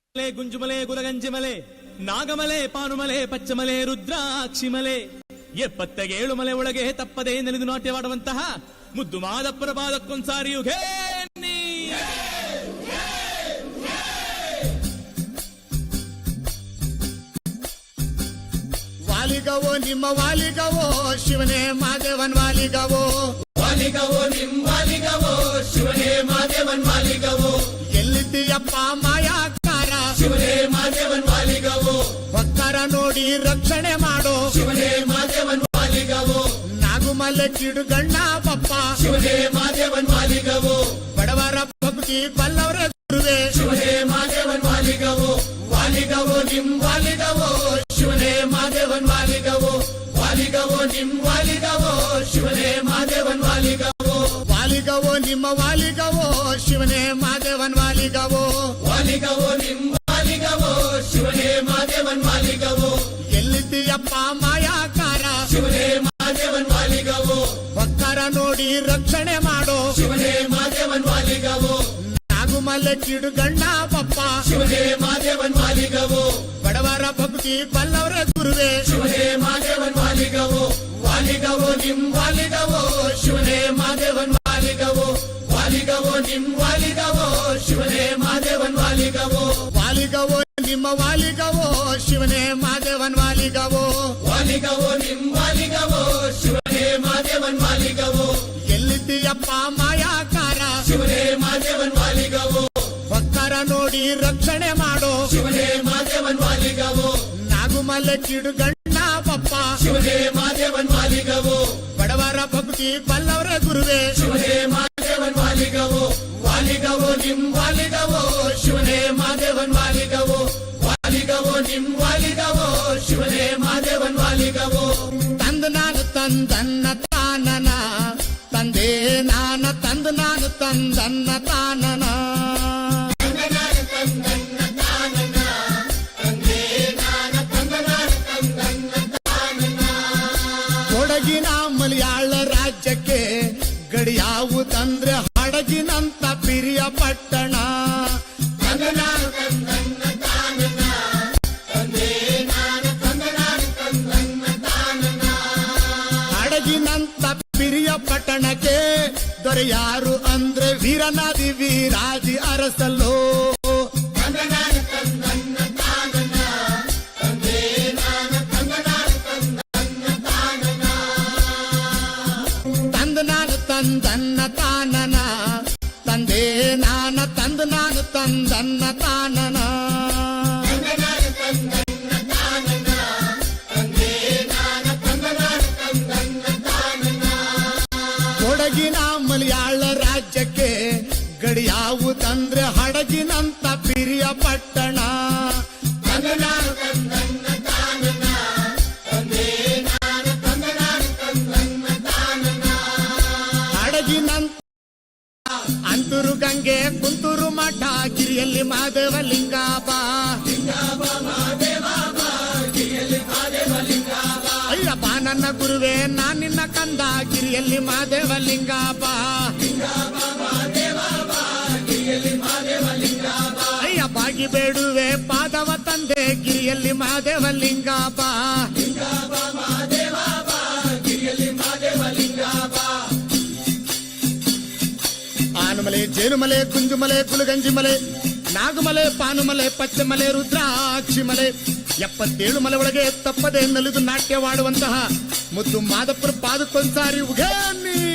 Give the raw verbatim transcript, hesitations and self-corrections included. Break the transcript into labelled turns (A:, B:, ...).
A: ಗುಂಜುಮಲೆ ಗುಲಗಂಜಿಮಲೆ ನಾಗಮಲೆ ಪಾನುಮಲೆ ಪಚ್ಚಮಲೆ ರುದ್ರಾಕ್ಷಿಮಲೆ ಎಪ್ಪತ್ತೇಳು ಮಲೆ ಒಳಗೆ ತಪ್ಪದೆ ನೆನೆದು ನಾಟ್ಯವಾಡುವಂತಹ ಮುದ್ದು ಮಾದಪ್ಪರ ಪಾದಕ್ಕೊಂದ್ಸಾರಿ ಯುಗೇನಿ
B: ವಾಲಿಗವೋ ನಿಮ್ಮ ವಾಲಿಗವೋ ಶಿವನೇ ಮಾದೇವನ್ ವಾಲಿಗವೋ
C: ವಾಲಿಗವೋ ನಿಮ್ ವಾಲಿಗವೋ ಶಿವನೇ ಮಾದೇವನ್ ವಾಲಿಗವೋ
B: ಎಲ್ಲಿದ್ದೀಯಪ್ಪ ಮಾಯಾಕಾರ
C: ಶಿವನೇ ಮಾದೇವನ್ ವಾಲಿಗವೋ
B: ಭಕ್ತರ ನೋಡಿ ರಕ್ಷಣೆ ಮಾಡೋ
C: ಶಿವನೇ ಮಾದೇವನ್ ವಾಲಿಗವೋ
B: ನಾಗುಮಲೆ ಕಿಡುಗಣ್ಣ ಬಪ್ಪ
C: ಶಿವನೇ ಮಾದೇವನ್ ವಾಲಿಗವೋ
B: ಬಡವರ ಭಕ್ತಿ ಬಲ್ಲವರ ಗುರುವೆ
C: ಶಿವನೇ ಮಾದೇವನ್ ವಾಲಿಗವೋ ವಾಲಿಗವೋ ನಿಮ್ ವಾಲಿಗವೋ ಶಿವನೇ ಮಾದೇವನ್ ವಾಲಿಗವೋ ವಾಲಿಗವೋ ನಿಮ್ ವಾಲಿಗವೋ ಶಿವನೇ ಮಾದೇವನ್ ವಾಲಿಗವೋ
B: ವಾಲಿಗವೋ ನಿಮ್ಮ ವಾಲಿಗವೋ ಶಿವನೇ ಮಾದೇವನ್ ವಾಲಿಗವೋ
C: ವಾಲಿಗವೋ ನಿಮ್ ವಾಲಿಗವೋ ಶಿವನೇ ಮಾದೇವನ್ ವಾಲಿಗವೋ
B: ಎಲ್ಲಿದ್ದೀಯಪ್ಪ ಮಾಯಾಕಾರ
C: ಶಿವನೇ ಮಾದೇವನ್ ವಾಲಿಗವೋ
B: ಭಕ್ತರ ನೋಡಿ ರಕ್ಷಣೆ ಮಾಡೋ
C: ಶಿವನೇ ಮಾದೇವನ್ ವಾಲಿಗವೋ
B: ನಾಗುಮಲೆ ಕಿಡುಗಣ್ಣ ಬಪ್ಪ
C: ಶಿವನೇ ಮಾದೇವನ್ ವಾಲಿಗವೋ
B: ಬಡವರ ಭಕ್ತಿ ಬಲ್ಲವರ ಗುರುವೆ
C: ಶಿವನೇ ಮಾದೇವನ್ ವಾಲಿಗವೋ ವಾಲಿಗವೋ ನಿಮ್ ವಾಲಿಗವೋ ಶಿವನೇ ಮಾದೇವನ್ ವಾಲಿಗವೋ ವಾಲಿಗವೋ ನಿಮ್ ವಾಲಿಗವೋ ಶಿವನೇ ಮಾದೇವನ್ ವಾಲಿಗವೋ
B: ವಾಲಿಗವೋ ನಿಮ್ಮ ವಾಲಿಗವೋ ಶಿವನೇ ಮಾದೇವನ್ ವಾಲಿಗವೋ
C: ವಾಲಿಗವೋ ನಿಮ್ ವಾಲಿಗವೋ ಶಿವನೇ ಮಾದೇವನ್ ವಾಲಿಗವೋ
B: ಎಲ್ಲಿದ್ದೀಯಪ್ಪ ಮಾಯಾಕಾರ
C: ಶಿವನೇ ಮಾದೇವನ್ ವಾಲಿಗವೋ
B: ಭಕ್ತರ ನೋಡಿ ರಕ್ಷಣೆ ಮಾಡೋ
C: ಶಿವನೇ ಮಾದೇವನ್ ವಾಲಿಗವೋ
B: ನಾಗುಮಲೆ ಕಿಡುಗಣ್ಣ ಬಪ್ಪ
C: ಶಿವನೇ ಮಾದೇವನ್ ವಾಲಿಗವೋ
B: ಬಡವರ ಭಕ್ತಿ ಬಲ್ಲವರ ಗುರುವೆ
C: ಶಿವನೇ ಮಾದೇವನ್ ವಾಲಿಗವೋ ವಾಲಿಗವೋ ನಿಮ್ ವಾಲಿಗವೋ ಶಿವನೇ ಮಾದೇವನ್ ವಾಲಿಗವೋ ವಾಲಿಗವೋ ನಿಮ್ ವಾಲಿಗವೋ ಶಿವನೇ ಮಾದೇವನ್ ವಾಲಿಗವೋ
B: ತಂದು ನಾನು ತಂದನ್ನ ತಾನನ ತಂದೆ ನಾನ ತಂದು ನಾನು ತಂದನ್ನ ತಾನನ ಕೊಡಗಿನ ಮಲಯಾಳ ರಾಜ್ಯಕ್ಕೆ ಗಡಿಯಾವುದಂದ್ರೆ ಹಡಗಿನಂತ ಪಿರಿಯ ಪಟ್ಟಣ ಹಡಗಿನಂತ ಪಿರಿಯ ಪಟ್ಟಣಕ್ಕೆ ದೊರೆಯಾರು ಅಂದ್ರೆ ವೀರನಾದಿ ವೀರಾದಿ ಅರಸಲ್ಲೋ ತಂದು ನಾನು ತಂದನ್ನ ತಾನನ ತಂದೆ ನಾನ ತಂದು ನಾನು ತಂದನ್ನ ತಾನನ ಕೊಡಗಿನ ಮಲಯಾಳ ರಾಜ್ಯಕ್ಕೆ ಗಡಿಯಾವುದಂದ್ರೆ ಹಡಗಿನಂತ ಪಿರಿಯ ಪಟ್ಟಣ ಹಡಗಿನಂತ ಅಂತೂರು ಗಂಗೆ ಕುಂತೂರು ಮಠ ಗಿರಿಯಲ್ಲಿ ಮಾದೇವ ಲಿಂಗಾಬಾ ಅಯ್ಯಪ್ಪ ನನ್ನ ಗುರುವೆ ನಾನಿನ್ನ ಕಂದ ಗಿರಿಯಲ್ಲಿ ಮಾದೇವ ಲಿಂಗಾಬಾ ಅಯ್ಯ ಬಾಗಿ ಬೇಡುವೆ ಪಾದವ ತಂದೆ ಗಿರಿಯಲ್ಲಿ ಮಾದೇವ ಲಿಂಗಾಬಾ ಆನುಮಲೆ ಜೇನುಮಲೆ ಗುಂಜುಮಲೆ ಗುಲಗಂಜಿಮಲೆ ನಾಗಮಲೆ ಪಾನುಮಲೆ ಪಚ್ಚಮಲೆ ರುದ್ರಾಕ್ಷಿಮಲೆ ಎಪ್ಪತ್ತೇಳು ಮಲೆ ಒಳಗೆ ತಪ್ಪದೆ ನಲಿದು ನಾಟ್ಯವಾಡುವಂತಹ ಮುದ್ದು ಮಾದಪ್ಪರ ಪಾದಕ್ಕೊಂದ್ಸಾರಿ ಉಗೇನಿ